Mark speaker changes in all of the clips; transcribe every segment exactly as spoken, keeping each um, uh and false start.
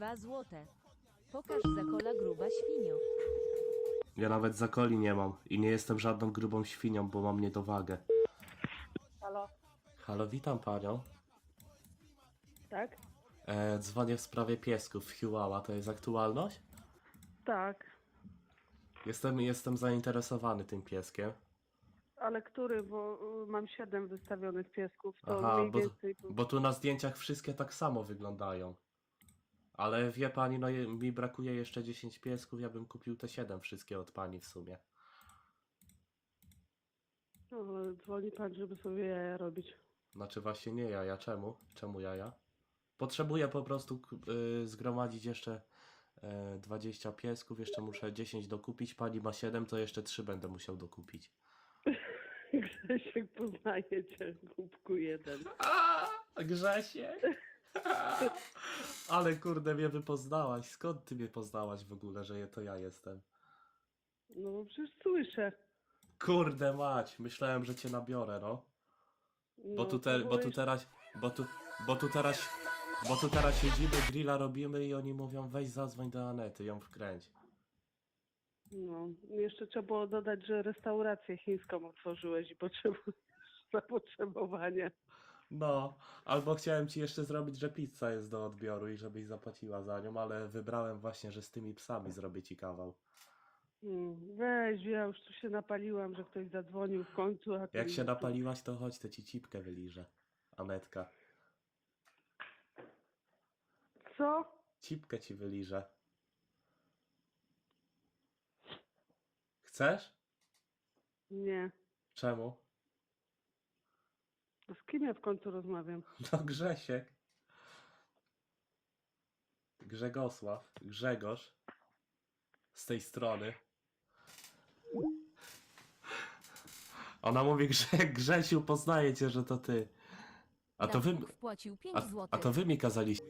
Speaker 1: Dwa złote. Pokaż zakola gruba świnio.
Speaker 2: Ja nawet zakoli nie mam i nie jestem żadną grubą świnią, bo mam niedowagę.
Speaker 3: Halo?
Speaker 2: Halo, witam panią.
Speaker 3: Tak?
Speaker 2: E, dzwonię w sprawie piesków Chihuahua, to jest aktualność?
Speaker 3: Tak.
Speaker 2: Jestem, jestem zainteresowany tym pieskiem.
Speaker 3: Ale który? Bo y, mam siedem wystawionych piesków, to
Speaker 2: Aha,
Speaker 3: mniej
Speaker 2: bo,
Speaker 3: więcej...
Speaker 2: bo tu na zdjęciach wszystkie tak samo wyglądają. Ale wie pani, no je- mi brakuje jeszcze dziesięć piesków, ja bym kupił te siedem wszystkie od pani w sumie.
Speaker 3: No, ale dzwoni pan, żeby sobie jaja robić.
Speaker 2: Znaczy właśnie nie jaja, czemu? Czemu jaja? Potrzebuję po prostu k- y, zgromadzić jeszcze y, dwadzieścia piesków, jeszcze muszę dziesięć dokupić, pani ma siedem, to jeszcze trzy będę musiał dokupić.
Speaker 3: Grzesiek poznaje cię, głupku jeden.
Speaker 2: A, Grzesiek! Ale kurde, mnie wypoznałaś. Skąd ty mnie poznałaś w ogóle, że je- to ja jestem?
Speaker 3: No bo przecież słyszę.
Speaker 2: Kurde mać, myślałem, że cię nabiorę, no. Bo
Speaker 3: No,
Speaker 2: tu, te,
Speaker 3: to
Speaker 2: bo tu
Speaker 3: byłeś-
Speaker 2: teraz, bo tu, bo tu teraz, bo tu teraz siedzimy, grilla robimy i oni mówią weź zadzwoń do Anety, ją wkręć.
Speaker 3: No, jeszcze trzeba było dodać, że restaurację chińską otworzyłeś i potrzebujesz zapotrzebowanie.
Speaker 2: No, albo chciałem ci jeszcze zrobić, że pizza jest do odbioru i żebyś zapłaciła za nią, ale wybrałem właśnie, że z tymi psami zrobię ci kawał.
Speaker 3: Mm, Weź, ja już tu się napaliłam, że ktoś zadzwonił w końcu. A ty
Speaker 2: Jak się
Speaker 3: tu-
Speaker 2: napaliłaś, to chodź, to ci cipkę wyliżę. Anetka.
Speaker 3: Co?
Speaker 2: Cipkę ci wyliżę. Chcesz?
Speaker 3: Nie.
Speaker 2: Czemu?
Speaker 3: To z kim ja w końcu rozmawiam?
Speaker 2: No Grzesiek. Grzegosław. Grzegorz. Z tej strony. Ona mówi, Grze Grzesiu, poznaje cię, że to ty. A to wy...
Speaker 1: Dawid wpłacił pięć
Speaker 2: A,
Speaker 1: złotych.
Speaker 2: a to wy mi kazaliście.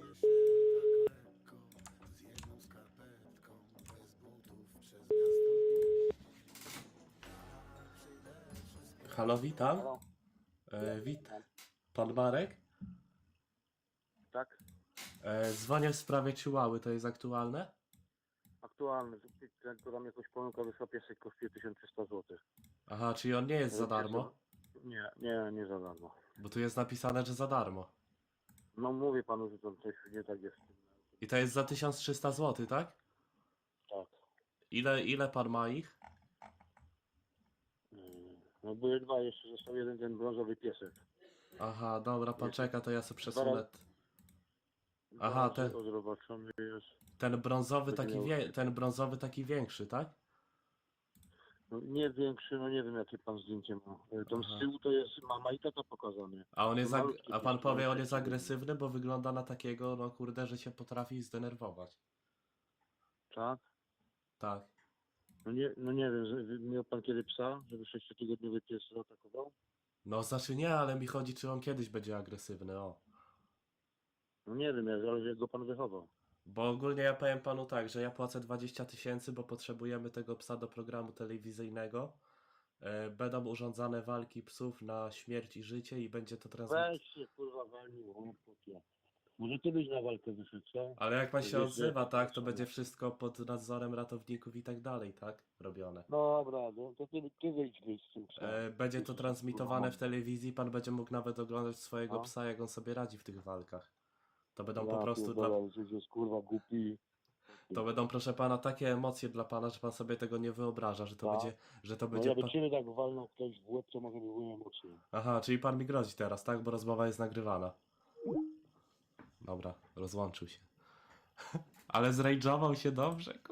Speaker 2: Halo, witam.
Speaker 4: Halo?
Speaker 2: E, wit. Pan Marek?
Speaker 4: Tak?
Speaker 2: E, dzwonię w sprawie Chihuahy, to jest aktualne?
Speaker 4: Aktualny. Ten, kto tam jakoś pomyłka wysłał piesek, kosztuje tysiąc trzysta złotych.
Speaker 2: Aha, czyli on nie jest za darmo?
Speaker 4: Nie, nie, nie za darmo.
Speaker 2: Bo tu jest napisane, że za darmo.
Speaker 4: No mówię panu, że to coś nie tak jest.
Speaker 2: I to jest za tysiąc trzysta złotych, tak?
Speaker 4: Tak.
Speaker 2: Ile, ile pan ma ich?
Speaker 4: Mm, No były dwa, jeszcze został jeden ten brązowy piesek.
Speaker 2: Aha, dobra, pan czeka, to ja sobie
Speaker 4: Dwa
Speaker 2: przesunę.
Speaker 4: razy-
Speaker 2: Aha,
Speaker 4: Dwa razy
Speaker 2: ten-
Speaker 4: odrobaczony jest.
Speaker 2: Ten brązowy
Speaker 4: Taki
Speaker 2: taki,
Speaker 4: miał-
Speaker 2: wie, ten brązowy taki większy, tak?
Speaker 4: No, nie większy, no nie wiem jakie pan zdjęcie ma. E, Tam
Speaker 2: Aha.
Speaker 4: z tyłu to jest mama i tata pokazane.
Speaker 2: A on jest, ag-
Speaker 4: Malutki
Speaker 2: a pan
Speaker 4: pies,
Speaker 2: powie, on
Speaker 4: malutki
Speaker 2: jest
Speaker 4: pies.
Speaker 2: agresywny, bo wygląda na takiego, no kurde, że się potrafi zdenerwować.
Speaker 4: Tak?
Speaker 2: Tak.
Speaker 4: No nie, no nie wiem, że- miał pan kiedy psa, żeby sześciotygodniowy pies zaatakował?
Speaker 2: No znaczy nie, ale mi chodzi, czy on kiedyś będzie agresywny, o.
Speaker 4: No nie wiem, ale jak go pan wychował.
Speaker 2: Bo ogólnie ja powiem panu tak, że ja płacę dwadzieścia tysięcy, bo potrzebujemy tego psa do programu telewizyjnego. E, Będą urządzane walki psów na śmierć i życie i będzie to transmitowane.
Speaker 4: Weź się kurwa walnił, chłopie. Może ty byś na walkę wyszedł, co?
Speaker 2: Ale jak pan się
Speaker 4: Wiesz,
Speaker 2: odzywa,
Speaker 4: że-
Speaker 2: tak, to będzie wszystko pod nadzorem ratowników i tak dalej, tak? Robione.
Speaker 4: Dobra, no to ty, ty wyjdź wyjdź z tym psem.
Speaker 2: E, Będzie to transmitowane w telewizji, pan będzie mógł nawet oglądać swojego
Speaker 4: No.
Speaker 2: psa, jak on sobie radzi w tych walkach. To będą
Speaker 4: Ja
Speaker 2: po prostu dla...
Speaker 4: pierdolę, że jest kurwa głupi.
Speaker 2: To będą, proszę pana, takie emocje dla pana, że pan sobie tego nie wyobraża, że to
Speaker 4: Tak.
Speaker 2: będzie... Że to
Speaker 4: No
Speaker 2: będzie
Speaker 4: jakby
Speaker 2: pa...
Speaker 4: ciebie tak walnął ktoś w łeb, to może by było emocje.
Speaker 2: Aha, czyli pan mi grozi teraz, tak? Bo rozmowa jest nagrywana. Dobra, rozłączył się. Ale zrajdżował się dobrze,